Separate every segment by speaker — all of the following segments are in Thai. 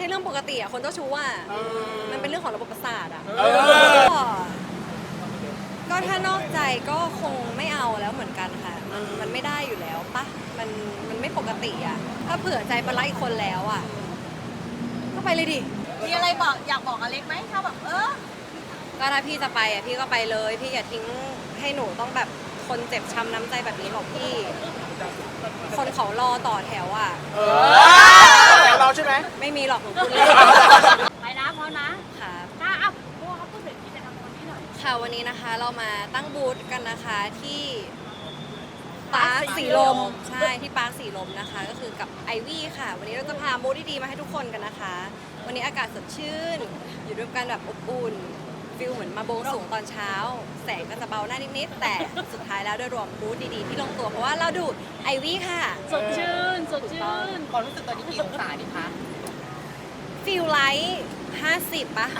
Speaker 1: เรื่องปกติอะคนเจ้าชู้อะมันเป็นเรื่องของระบบประสาทอะก็ถ้านอกใจก็คงไม่เอาแล้วเหมือนกันค่ะมันไม่ได้อยู่แล้วปะมันไม่ปกติอะถ้าเผื่อใจไปรักอีกคนแล้วอะก็ไปเลยดิ
Speaker 2: มีอะไรบอกอยากบอกอเล็กไหมถ้าแบบ
Speaker 1: ก็ถ้าพี่จะไปอ่ะพี่ก็ไปเลยพี่อย่าทิ้งให้หนูต้องแบบคนเจ็บช้ำน้ำใจแบบนี้หรอกพี่ คนเขารอต่อแถวอ่ะ
Speaker 3: แต่เราใช่ไหม
Speaker 1: ไม่มีหรอกหนูพูดเล่น
Speaker 2: ไปนะพร้อมนะ
Speaker 1: ค่ะ
Speaker 2: ถ้าเอาพวกเขาพูดถึงกิจกรรมวันนี้หน่อย
Speaker 1: ค่ะวันนี้นะคะเรามาตั้งบูธกันนะคะที่ปาร์คสีลมใช่ที่ปาร์คสีลมนะคะก็คือกับไอวี่ค่ะ วันนี้เราจะพาบูธดีๆมาให้ทุกคนกันนะคะ วันนี้อากาศสดชื่นอยู่ด้วยกันแบบอบอุ่นฟิลเหมือนมาโบว์สูงตอนเช้าแสงก็จะเบาหน้านิดๆแต่สุดท้ายแล้วโดยรวมบูธดีๆที่ลงตัวเพราะว่าเราดูไอวี่ค่ะ
Speaker 2: สดชื่นสดชื่น
Speaker 3: ความรู้สึกตอนนี้กี่องศาดีคะ
Speaker 1: ฟิลไลท์50ปะ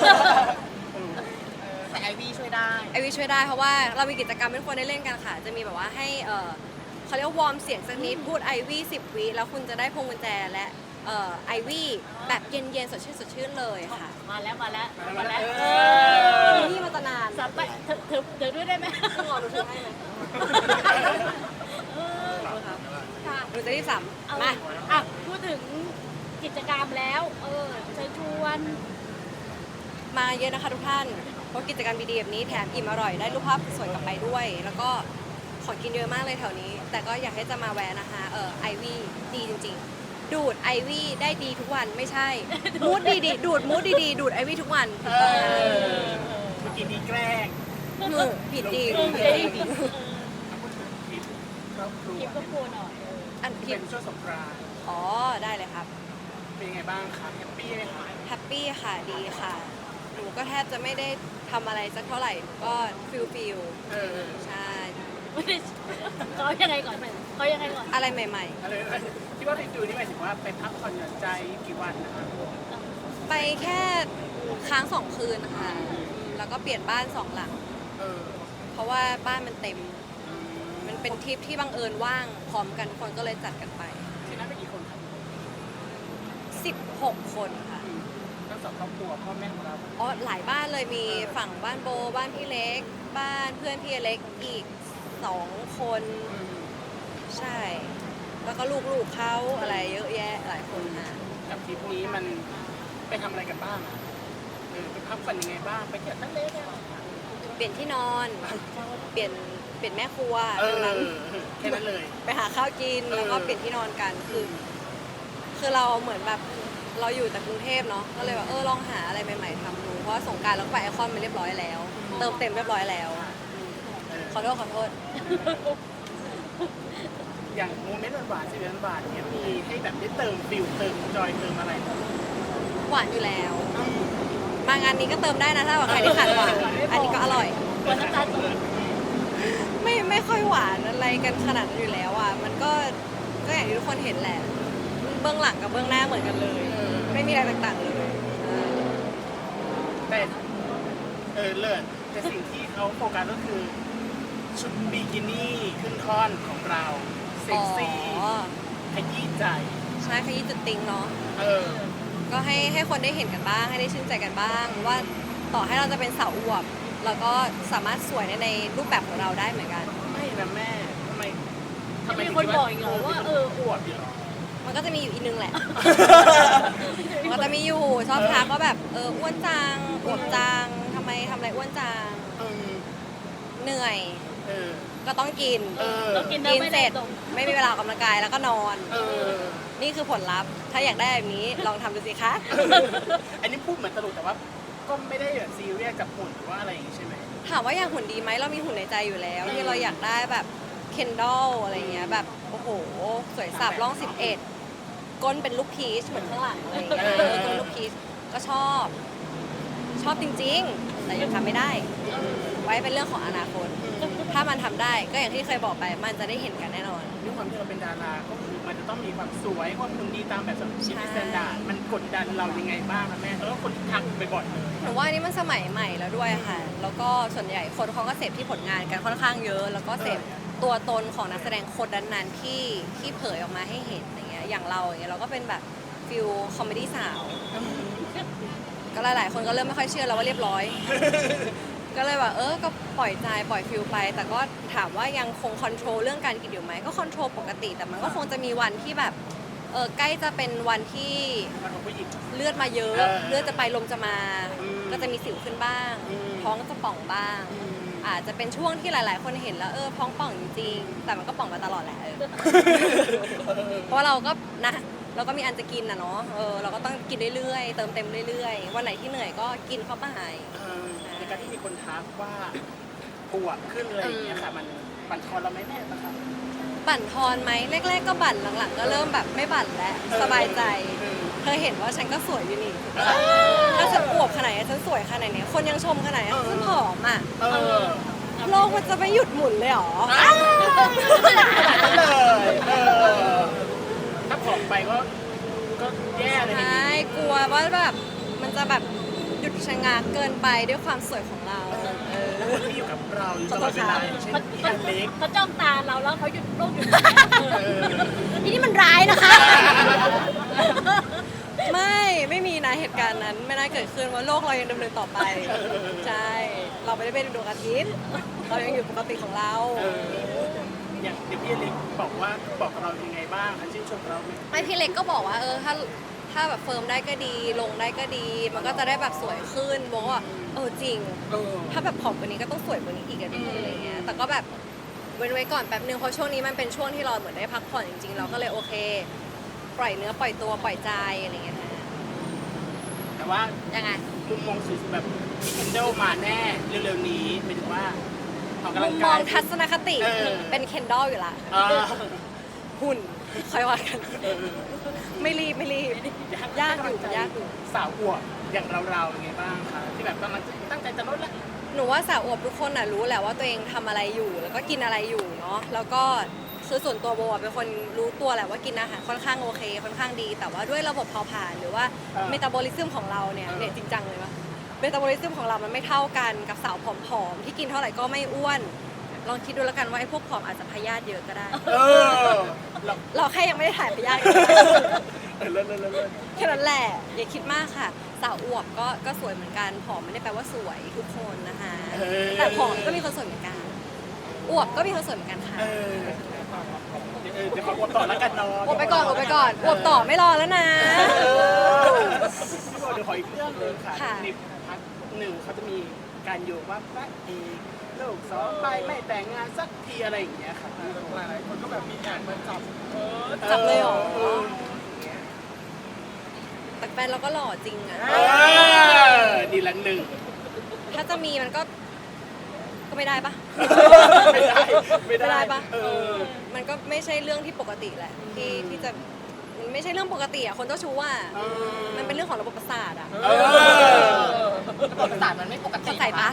Speaker 3: แต่ไอวี่ช่วยได้
Speaker 1: ไอวี่ช่วยได้เพราะว่าเรามีกิจกรรมให้ทุกคนได้เล่นกันค่ะจะมีแบบว่าให้เขาเรียกว่าวอร์มเสียงสักนิดพูดไอวี่10 วิแล้วคุณจะได้พวงกุญแจและไอวี่แบบเย็นๆสดชื่นเลยค่ะ
Speaker 2: มาแล้ว
Speaker 1: นี่มาตนาน
Speaker 2: สับไปเธอด้วยได้ไหม
Speaker 1: ต้องรอหนูถือให้ไหม
Speaker 2: ค่ะ
Speaker 1: หนูจะรีบสัม
Speaker 2: เอา
Speaker 1: มา
Speaker 2: อ่ะพูดถึงกิจกรรมแล้วเชิญชวน
Speaker 1: มาเยอะนะคะทุกท่านเพราะกิจกรรมดีๆแบบนี้แถมอิ่มอร่อยได้รูปภาพสวยกลับไปด้วย แล้วก็ของกินเยอะมากเลยแถวนี้ แต่ก็อยากให้จะมาแวะนะคะไอวี่ดีจริงๆ ดูดไอวี่ได้ดีทุกวันไม่ใช่มูดดีๆดูดมูดดีๆดูดไอวี่ทุกวันถูกต้องนะ
Speaker 3: เมื่อกี้นี้แกล้ง
Speaker 1: ผิดจริง
Speaker 3: ครอบครัว
Speaker 2: คลิปก็กลัวหน่อย
Speaker 1: อันผิ
Speaker 3: เป็
Speaker 1: ด
Speaker 3: นช่วงสงกรานต์
Speaker 1: อ๋อได้เลยครับ
Speaker 3: เป็นยังไงบ้างคะแฮปปี้ไหมคะ
Speaker 1: แฮปปี้ค่ะดีค่ะหนูก็แทบจะไม่ได้ทำอะไรสักเท่าไหร่หนูก็ฟิลใช่
Speaker 2: ไม่ได้เขายังไงก่อนเขายังไงก่อน
Speaker 1: อะไรใหม่
Speaker 3: อะไรที่ว่าฟิวนี่หมายถึงว่าไปพักผ่อนหย่อนใจกี่วันนะคะ
Speaker 1: ๆ ไปแค่ค้าง2 คืนค่ะแล้วก็เปลี่ยนบ้าน2 หลัง
Speaker 3: เออ
Speaker 1: เพราะว่าบ้านมันเต็ม มันเป็นทริปที่บังเอิญว่างพร้อมกันทุกคนก็เลยจัดกันไป
Speaker 3: ที่นั่นเป็นกี่คนครับ
Speaker 1: 16 คนค่ะ
Speaker 3: ทั้งสองครอบครัวพ่อแม่ของเรา
Speaker 1: อ๋อหลายบ้านเลยมีฝั่งบ้านโบบ้านพี่เล็ก บ้านเพื่อนพี่เล็กอีก2 คนใช่ แล้วก็ลูกๆเขาอะไรเยอะแยะหลายคนค่ะ
Speaker 3: กับทริปนี้มันไปทำอะไรกันบ้างอะไปพักผ่อนยังไงบ้างไปเที่ยวทะเลเนี่ย
Speaker 1: เปลี่ยนที่นอน เปลี่ยนแม่ครัว
Speaker 3: นั้น
Speaker 1: นั้น
Speaker 3: แค่นั้นเลย
Speaker 1: ไปหาข้าวกินแล้วก็เปลี่ยนที่นอนกันคือเราเหมือนแบบเราอยู่แต่กรุงเทพเนาะก็เลยแบบลองหาอะไรใหม่ๆทำดูเพราะว่าสงกรานต์เราก็ไปไอคอนมาเรียบร้อยแล้ว เติมเต็มเรียบร้อยแล้วขอโทษ
Speaker 3: อย่างโมเมนต์หวานๆชีวิตหวานๆเนี่ยมีให้แบบได้เติมฟิลเติมจอยเติมอะไร
Speaker 1: หวานอยู่แล้ว มางานนี้ก็เติมได้นะถ้าว่าใครที่ขาดหวานอันนี้ก็อร่อย
Speaker 2: วันน้ำตาลตก
Speaker 1: ไม่ค่อยหวานอะไรกันขนาดนั้นอยู่แล้วอ่ะมันก็อย่างที่ทุกคนเห็นแหละเบื้องหลังกับเบื้องหน้าเหมือนกันเลย ไม่มีอะไรต่างๆเลย
Speaker 3: แต่เลิศแต่สิ่งที่เขาโฟกัสก็คือชุดบิกินี่ขึ้นท่อนของเราเซ็กซี่
Speaker 1: อ๋อ
Speaker 3: ขยี้ใจ
Speaker 1: ใช่ขยี้จุดติงเนาะ
Speaker 3: เออ
Speaker 1: ก็ให้คนได้เห็นกันบ้างให้ได้ชื่นใจกันบ้างว่าต่อให้เราจะเป็นสาวอวบเราก็สามารถสวยในรูปแบบของเราได้เหมือนกัน
Speaker 3: ไม่นะแม่ทำไม
Speaker 2: จะมีคนบอกอีกเหรอว่า
Speaker 3: อวบอยู่หรอ
Speaker 1: มันก็จะมีอยู่อีกนึงแหละ มันก็จะมีอยู่ชอบทักว่าแบบอ้วนจังอวบจังทำอะไรอ้วนจัง
Speaker 3: เออ
Speaker 1: เหนื่อย
Speaker 3: เออ
Speaker 1: ก็ต้องกิน
Speaker 2: ต้องกิน
Speaker 1: กิน
Speaker 2: ไม่
Speaker 1: เส
Speaker 2: ได้
Speaker 1: ร็จ
Speaker 2: ตรง
Speaker 1: ไม่มีเวลาออกกำลังกายแล้วก็นอน
Speaker 3: เออ
Speaker 1: นี่คือผลลัพธ์ถ้าอยากได้แบบนี้ลองทำดูสิคะ
Speaker 3: อันนี้พูดเหมือนตลกแต่ว่าก็ไม่ได้แบบซีเรียสกับหุ่นหรือว่าอะไรอย่างงี้ใช่ไหม
Speaker 1: ถามว่าอยากหุ่นดีไหมเรามีหุ่นในใจอยู่แล้วที่เราอยากได้แบบเคนดอลอะไรเงี้ยแบบโอ้โหสวยสับร่อง11ก้นเป็นลูกพีชเหมือนข้างหลังอะไรเงี้ยก้นลูกพีชก็ชอบจริงๆ แต่ยังทำไม่ได้ ไว้เป็นเรื่องของอนาคต ถ้ามันทำได้ก็อย่างที่เคยบอกไปมันจะได้เห็นกันแน่นอน
Speaker 3: ด้วยความที่เราเป็นดาราก็คือมันจะต้องมีความสวยความหุ่นดีตามแบบชีวิตสแตนดาร์ดมันกดดันเรายังไงบ้างนะแม่คนที่ทักบ่อยๆเลย
Speaker 1: หนูว่าอันนี้มันสมัยใหม่แล้วด้วยค่ะ แล้วก็ส่วนใหญ่คนเขาก็เสพที่ผลงานกันค่อนข้างเยอะ แล้วก็เสพตัวตนของนักแสดงคนนั้นๆที่เผยออกมาให้เห็นอย่างเงี้ย อย่างเราอย่างเงี้ยเราก็เป็นแบบฟิลคอมเมดี้สาวก็หลายๆคนก็เริ่มไม่ค่อยเชื่อแล้วว่าเรียบร้อย ก็เลยว่าก็ปล่อยใจปล่อยฟิลไป แต่ก็ถามว่ายังคงคอนโทรลเรื่องการกินอยู่ไหมก็คอนโทรลปกติแต่มันก็คงจะมีวันที่แบบใกล้จะเป็นวันที่
Speaker 3: มันของผู้หญิง
Speaker 1: เลือดมาเยอะ เลือดจะไปลมจะมา
Speaker 3: อืม
Speaker 1: ก็จะมีสิวขึ้นบ้าง
Speaker 3: อืม
Speaker 1: ท้องจะป่องบ้าง
Speaker 3: อืม
Speaker 1: อาจจะเป็นช่วงที่หลาย ๆ คนเห็นแล้วท้องป่องจริงๆแต่มันก็ป่องมาตลอดแหละเพราะเราก็นะเราก็มีอันจะกินนะเนาะเราก็ต้องกินเรื่อยๆเติมเต็มเรื่อยๆวันไหนที่เหนื่อยก็กินเข้าไป
Speaker 3: ในการที่มีคนทักว่าปวดขึ้นอะไรอย่างเงี้ยค่ะมันบั่นทอนเราไหมแม่นะคะ
Speaker 1: บั่นทอนไหมแรก ๆ ก็บั่นหลัง ๆ ก็เริ่มแบบไม่บั่นแล้วสบายใจเธอเห็นว่าฉันก็สวยอยู่นี่ถ้าฉันอวบขนาดนี้ฉันสวยขนาดนี้คนยังชมขนาดนี้ฉันผอมอ่ะ โลกมันจะไม่หยุดหมุนเลยเหรอ
Speaker 3: เลยถ้าผอมไปก็แย่เลย
Speaker 1: ใช่กลัวว่าแบบมันจะแบบหยุดชะงักเกินไปด้วยความสวยของเรา
Speaker 3: คนที่อยู่กับเราอยู่ตลอดเวลาอย่างเช่นพี่อเล็ก
Speaker 2: เขาจ้องตาเราแล้วเขาหยุดโลกหยุด
Speaker 1: ทีนี่มันร้ายนะคะ ไม่มีนะเหตุการณ์นั้นไม่น่าเกิดขึ้นว่าโลกเรายังดำเนินต่อไป ใช่ เราไม่ได้เป็นดวงอาทิตย์เรายังอยู่ปกติของเรา
Speaker 3: อย่างเด็กพี่อเล็กบอกกับเรายังไงบ้างคะชื่นชมเราไหม
Speaker 1: ไม่พี่เล็กก็บอกว่าถ้าแบบเฟิร์มได้ก็ดีลงได้ก็ดี มันก็จะได้แบบสวยขึ้นบอกว่าจริง ถ้าแบบผอมกว่านี้ก็ต้องสวยกว่านี้อีกอะดีอะไรเงี้ยแต่ก็แบบเว้นไว้ก่อนแป๊บนึงเพราะช่วงนี้มันเป็นช่วงที่เราเหมือนได้พักผ่อนจริงๆเราก็เลยโอเค ปล่อยเนื้อปล่อยตัวปล่อยใจอะไรเงี้ยฮะ
Speaker 3: แต่ว่า
Speaker 1: ยังไง
Speaker 3: มุมมองสวยๆแบบพี่เคนเดลมาแน่เร็วๆนี้หมายถึงว่าออกกำ
Speaker 1: มุ
Speaker 3: ลัง
Speaker 1: มม
Speaker 3: กา
Speaker 1: อย งทัศนคติ เป็นเคนดอลอยู่ละ
Speaker 3: อ่า
Speaker 1: หุ่นค่อยว่ากัน ไม่รีบยากอยู่
Speaker 3: สาวอวบอย่างเราๆยังไงบ้างคะที่แบบกำลังตั้งใจจะลดแล้ว
Speaker 1: หนูว่าสาวอวบทุกคนน่ะรู้แหละว่าตัวเองทำอะไรอยู่แล้วก็กินอะไรอยู่เนาะแล้วก็คือส่วนตัวโบอะเป็นคนรู้ตัวแหละว่ากินอาหารค่อนข้างโอเคค่อนข้างดี แต่ว่าด้วยระบบเผาผลาญหรือว่าเมตาบอลิซึมของเราเนี่ยจริงจังเลยปะเมตาบอลิซึมของเรามันไม่เท่ากันกับสาวผอมๆที่กินเท่าไหร่ก็ไม่อ้วนลองคิดดูแล้วกันว่าไอ้พวกผอมอาจจะพยาธิเยอะก็ได้ เราแค่ยังไม่ได้ถ่ายพยาธิ
Speaker 3: เลิศ
Speaker 1: แค่นั้นแหละอย่าคิดมากค่ะ สาวอวบก็สวยเหมือนกันผอมไม่ได้แปลว่าสวยทุกคนนะคะแต่ผอมก็มีคนสวยเหมือนกันอวบก็มีคนสวยเหมือนกันค่ะ
Speaker 3: เดี๋ยวขออวบต่อแล้วกันเนาะ
Speaker 1: อวบไปก่อนอวบต่อไม่รอแล้วนะ
Speaker 3: พี่บอกเดี๋ยวขออีกเรื่องหนึงค่ะ
Speaker 1: ค่ะ
Speaker 3: ในพาร์ทหนึ่งเขาจะมีการโยงว่าพระเอกลูกสองไปไม่แต่งงานสักทีอะไรอย่างเงี้ยค่ะหลายคนก็แบบมีการมาจับ
Speaker 1: จับเลยเหรอแต่แฟนเราก็หล่อจริงอะ
Speaker 3: ดีละหนึ่ง
Speaker 1: ถ้าจะมีมันก็ไม่ได้ปะ
Speaker 3: ไม่ได้
Speaker 1: ปะมันก็ไม่ใช่เรื่องที่ปกติแหละที่จะมันไม่ใช่เรื่องปกติอะคนเจ้าชู้อะมันเป็นเรื่องของระบบประสาทอะ
Speaker 4: ระบบประสาทมันไม่ปกติ
Speaker 1: เข้าใจปะ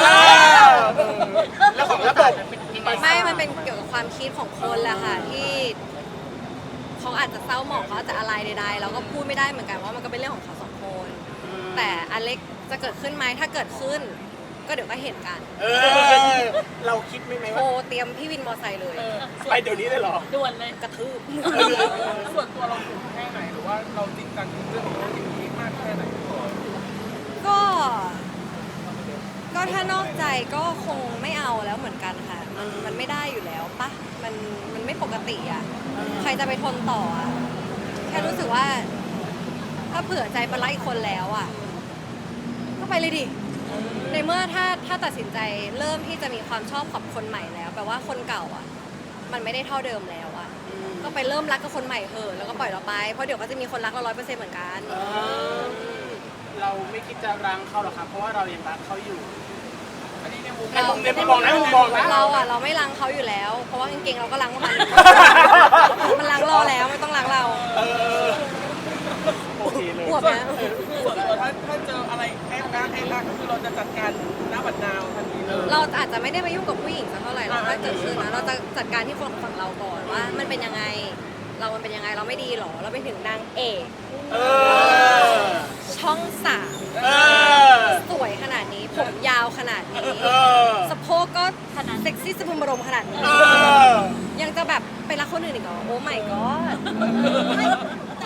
Speaker 3: แล้วของระบบ
Speaker 1: ไม่มันเป็นเกี่ยวกับความคิดของคนแหละค่ะที่เขาอาจจะเศร้าหมองเขาอาจจะอะไรใดๆเราก็พูดไม่ได้เหมือนกันว่ามันก็เป็นเรื่องของเขาสองคน แต่อเล็กจะเกิดขึ้นไหมถ้าเกิดขึ้น ก็เดี๋ยวก็เห็นกัน
Speaker 3: เราคิดไหม
Speaker 1: โทร
Speaker 3: ว่า
Speaker 1: เตรียมพี่วินมอไซค์เลย
Speaker 3: ไปเดี๋ยวนี้เลยเหรอ
Speaker 2: ด่วนเลย
Speaker 1: กระทืบ
Speaker 4: ส่วนตัวเราถูกแค่ไหนหรือว่าเราจริงจังกับเรื่องนี้มากแค่ไหน
Speaker 1: ก็ถ้านอกใจก็คงไม่เอาแล้วเหมือนกันค่ะ มันไม่ได้อยู่แล้วปะมันไม่ปกติอ่ะ ใครจะไปทนต่ออ่ะ แค่รู้สึกว่า ถ้าเผื่อใจไปรักอีกคนแล้วอ่ะ ก็ไปเลยดิ ในเมื่อถ้าตัดสินใจเริ่มที่จะมีความชอบกับคนใหม่แล้วแปลว่าคนเก่าอ่ะ มันไม่ได้เท่าเดิมแล้วอ่ะ ก็ไปเริ่มรักกับคนใหม่เถอะแล้วก็ปล่อยเราไป เพราะเดี๋ยวก็จะมีคนรักเรา100%เหมือนกัน
Speaker 3: เราไม่คิดจะรังเขาหรอกครับเพราะว่าเรายังรักเขาอยู่
Speaker 4: อันนี้ในมุม
Speaker 3: ในมุมเนี่ยพี่บอกนะมุมบอกนะ
Speaker 1: เราไม่รังเขาอยู่แล้ว เพราะว่ากางเกงเราก็รังมัน มันรังรอแล้วไม่ต้องรังเรา
Speaker 3: โอเคเลย
Speaker 1: อวบนะ
Speaker 4: ส่วนตัวถ้าเจออะไรแค่รักก็คือเราจะจัดการหน้าบัดนาวทันทีเลย
Speaker 1: เราอาจจะไม่ได้ไปยุ่งกับผู้หญิงสักเท่าไหร่หรอกถ้าเกิดขึ้นนะเราจะจัดการที่คนฝั่งเราก่อนว่า มันเป็นยังไง มันเป็นยังไงเราไม่ดีหรอเราไปถึงนางเอก ช่องสามสวยขนาดนี้ผมยาวขนาดนี้สะโพกก็ขนาดเซ็กซี่สะพรึงบรมขนาดนี้ยังจะแบบไปรักคนอื่นอีกเหรอโอ้ไม่ก็
Speaker 5: แต่ส่วนตัว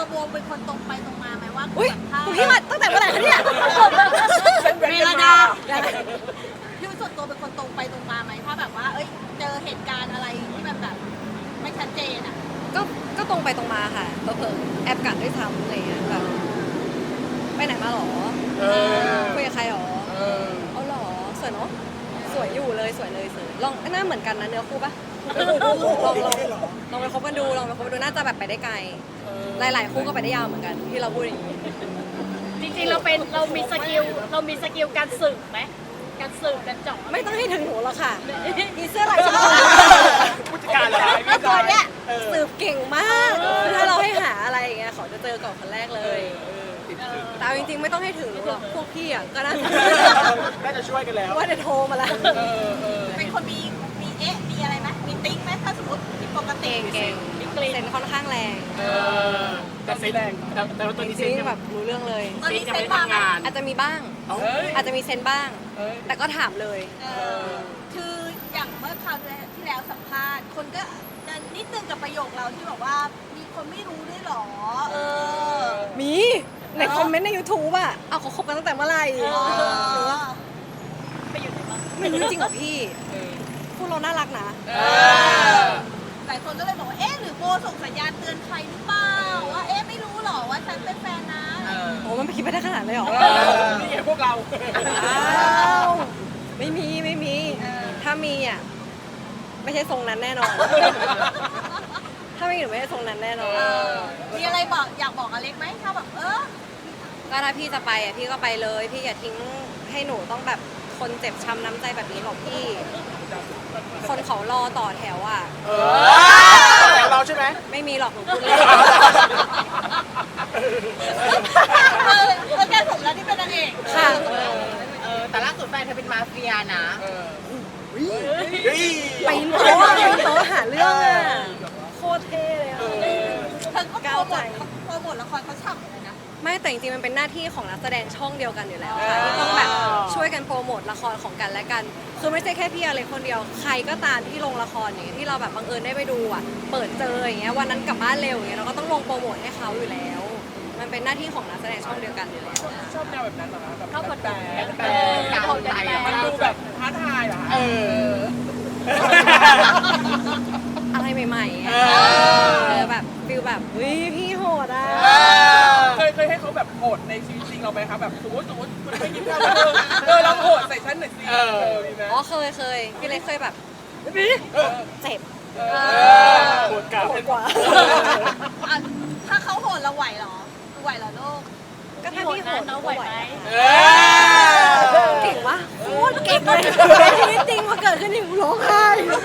Speaker 2: โบเป็นคนตรงไปตรงมาไหมว่า
Speaker 1: อุ้ย
Speaker 2: ถ้า
Speaker 1: คุณพี่มาตั้งแต่เมื่อไหร่คะเนี่ย
Speaker 2: เมลดาพี่ส่วนตัวเป็นคนตรงไปตรงมาไหมถ้าแบบว่า เอ้ยเจอเหตุการณ์อะไรที่มันแบบไม่ชัดเจนอ่ะ
Speaker 1: ก็ตรงไปตรงมาค่ะเผลอๆแอบกัดด้วยซ้ำอะไรอย่างเงี้ยแบบไปไหนมาหรอคุยกับใครหรอเอาหรอสวยเนาะสวยอยู่เลยสวยเลยสวยลองหน้าเหมือนกันนะเนื้อคู่ปะลองไปคบกันดูลองไปคบกันดูน่าจะแบบไปได้ไกลหลายๆคู่ก็ไปได้ยาวเหมือนกันที่เราพูดอย่างนี้
Speaker 2: จริงๆเรามีสกิลการสืบไหมการสืบการเจาะ
Speaker 1: ไม่ต้องให้ถึงหนูหรอกค่ะมีเสื้อลายชมพู
Speaker 3: ผู้จัดการเหรอ
Speaker 1: แล้วตัวเนี้ยสืบเก่งมากถ้าเราให้หาอะไรอย่างเงี้ยเขาจะเจอก่อนคนแรกเลยแต่เอาจริงๆไม่ต้องให้ถึงหนูหรอกพวกพี่อ่ะก็น่าจะ
Speaker 3: น่าจะช่วยกันแล้ว
Speaker 1: ว่าจะโทรมาแล้ว
Speaker 2: เป็นคนมีมีอะไรไหมมีติ๊กไหมถ้าสมมติที่ปกติ
Speaker 1: เก่งเซนค่อนข้างแรง
Speaker 3: แต่เซนแรงแต่ว่าตัวนี้
Speaker 1: จ
Speaker 3: เซ
Speaker 1: ริ
Speaker 3: น
Speaker 1: ง
Speaker 3: ยัง
Speaker 1: ๆ
Speaker 3: แบ
Speaker 1: แบบ บรู้เรื่องเลย
Speaker 2: ตอน
Speaker 3: เซน
Speaker 2: นี้
Speaker 3: ยัง
Speaker 2: เซ็
Speaker 3: ไม่
Speaker 2: น
Speaker 3: ได้
Speaker 2: บ้าง
Speaker 3: ทำงาน
Speaker 1: อาจจะมีบ้าง อาจจะมีเซนบ้าง แต่ก็ถามเลย
Speaker 2: คืออย่างเมื่อคราวที่แล้วสัมภาษณ์คนก็จะนิดนึงกับประโยคเราที่บอกว่ามีคนไม่รู้ด้วยหรอ
Speaker 1: มีในคอมเมนต์ใน YouTube อ่ะเอาเขาคบกันตั้งแต่เมื่อไหร่หรือว่า
Speaker 2: ไปอยู่ไหนบ้าง
Speaker 1: ไม่รู้จริงเหรอพี่พวกเราน่ารักนะ
Speaker 2: หลายคนก็เลยบอกว่าเอ๊ะหรือโบส่งสัญญาณเตือนใครหรือเปล่าว่าเอ๊ะไม่รู้หรอว่าฉันเป็นแฟนนะ
Speaker 1: โอ้มันไปคิดไปได้ขนาดเลยเหรอ
Speaker 3: นี่ไงพวกเรา
Speaker 1: อ้าวไม่มีถ้ามีอ่ะไม่ใช่ทรงนั้นแน่นอน ถ้าไม่มีหนูไม่ใช่ทรงนั้นแน่นอน
Speaker 2: มีอะไรบอกอยากบอกอเล็กไหมถ้าแบบ
Speaker 1: ก็ถ้าพี่จะไปอ่ะพี่ก็ไปเลย พี่อย่าทิ้งให้หนูต้องแบบคนเจ็บช้ำน้ำใจแบบนี้หรอกพี่ คนเขารอต่อแถวอ่ะ
Speaker 3: แต่เราใช่ไหม
Speaker 1: ไม่มีหรอกหนูพูดเล่น
Speaker 2: แล้วแกสมแล้วที่เป็นนางเอก
Speaker 1: ค่ะ
Speaker 5: แต่ล่าสุดแฟนเธอเป็นมาเฟียนะ
Speaker 1: ปีนโต๊ะหาเรื่องอ่ะโคตรเท่เลยอ่ะ
Speaker 2: เธอก็โปรโมทละครเขาฉ่ำเลยนะ
Speaker 1: ไม่แต่จริงๆมันเป็นหน้าที่ของนักแสดงช่องเดียวกันอยู่แล้วค่ะที่ต้องแบบช่วยกันโปรโมทละครของกันและกัน คือไม่ใช่แค่พี่อะไรคนเดียวใครก็ตามที่ลงละครอย่างเงี้ยที่เราแบบบังเอิญได้ไปดูอ่ะเปิดเจออย่างเงี้ยวันนั้นกลับบ้านเร็วอย่างเงี้ยเราก็ต้องลงโปรโมทให้เขาอยู่แล้ว มันเป็นหน้าที่ของนักแสดงช่องเดียวกันอยู่แล้ว
Speaker 4: ชอบแนวแบบนั้นเหรอคะแบบ
Speaker 2: เข้ากับแต่
Speaker 4: มันดูแบบท้าทายเหรอคะ
Speaker 1: อะไรใหม่ๆอ่ะแบบฟิลแบบเฮ้ยพี่โหดอ่ะ
Speaker 4: เคยให้เขาแบบโหดในชีวิตจริงเราไหมคะแบบสมมติคุณไม่กินข้าวเราโหดใส่ฉันหน่อยสิมีไหม
Speaker 1: อ๋อเคยพี่เล็กเคยแบบเจ็บ
Speaker 3: ปวดกลับ
Speaker 1: โหดกว่า
Speaker 2: ถ้าเขาโหดเราไหวเหรอไหวเหรอลูก
Speaker 1: ก็ถ้าพี่โหด
Speaker 2: เราไหวไหม
Speaker 1: เก่งวะโคตรเก่งเลยชีวิตจริงมาเกิดขึ้นอยู่ร้องไห้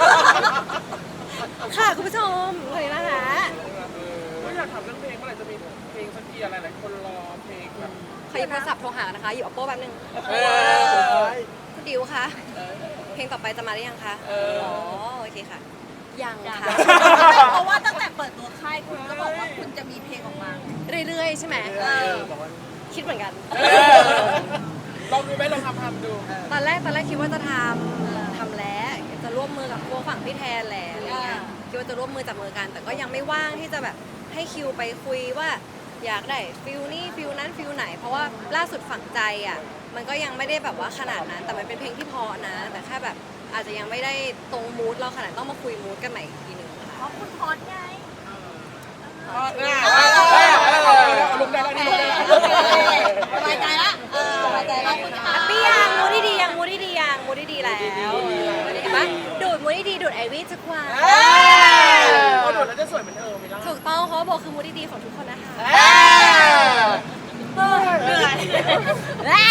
Speaker 1: ค่ะคุณผู้ชมเลยนะคะ
Speaker 4: ก็อยากถามเรื่องเพลงเมื่อไหร่จะมีเพลงสักทีอะไรหลายคนรอเพลงแบบ
Speaker 1: ขอหยิบโทรศัพท์โทรหานะคะ อยู่ Oppo แป๊บนึงคุณดิวคะเพลงต่อไปจะมาหรือยังคะอ๋อโอเคค่ะ ยังค่ะ
Speaker 2: เพราะว่าตั้งแต่เปิดตัวค่ายคุณก็บอกว่าคุณจะมีเพลงออกมา
Speaker 1: เรื่อยๆใช่ไหมคิดเหมือนกัน
Speaker 4: ลองดูไหมลองทำดู
Speaker 1: ตอนแรกคิดว่าจะทำแล้วจะร่วมมือกับพวกฝั่งพี่แทนแหละอะไรเงี้ยคิดว่าจะร่วมมือจับมือกัน แต่ก็ยังไม่ว่างที่จะแบบให้คิวไปคุยว่าอยากได้ฟิลนี้ฟิลนั้นฟิลไหน เพราะว่าล่าสุดฝังใจอ่ะมันก็ยังไม่ได้แบบว่าขนาดนั้น แต่มันเป็นเพลงที่พอนะ แต่แค่แบบอาจจะยังไม่ได้ตรงมูดเราขนาดต้องมาคุยมูดกันใหม่อีกทีหนึ่งค่ะ
Speaker 2: เพราะคุณฮอตไง
Speaker 4: ลงได้แล้วนี่
Speaker 2: สบายใจละสบายใจละคุณค่ะ
Speaker 1: ปี้ยังมูดดีๆยังมูดดีๆยังมูดดีๆแล้วเห็นปะดูดมูดดีๆดูดไอวี่ทุกวัน
Speaker 4: พอโดดแล้วจะสวยเหมือนไหมล่ะ
Speaker 1: ถูกต้องเพราะว่าโบคือมูดดีๆของทุกคนนะคะ
Speaker 2: เหนื่อย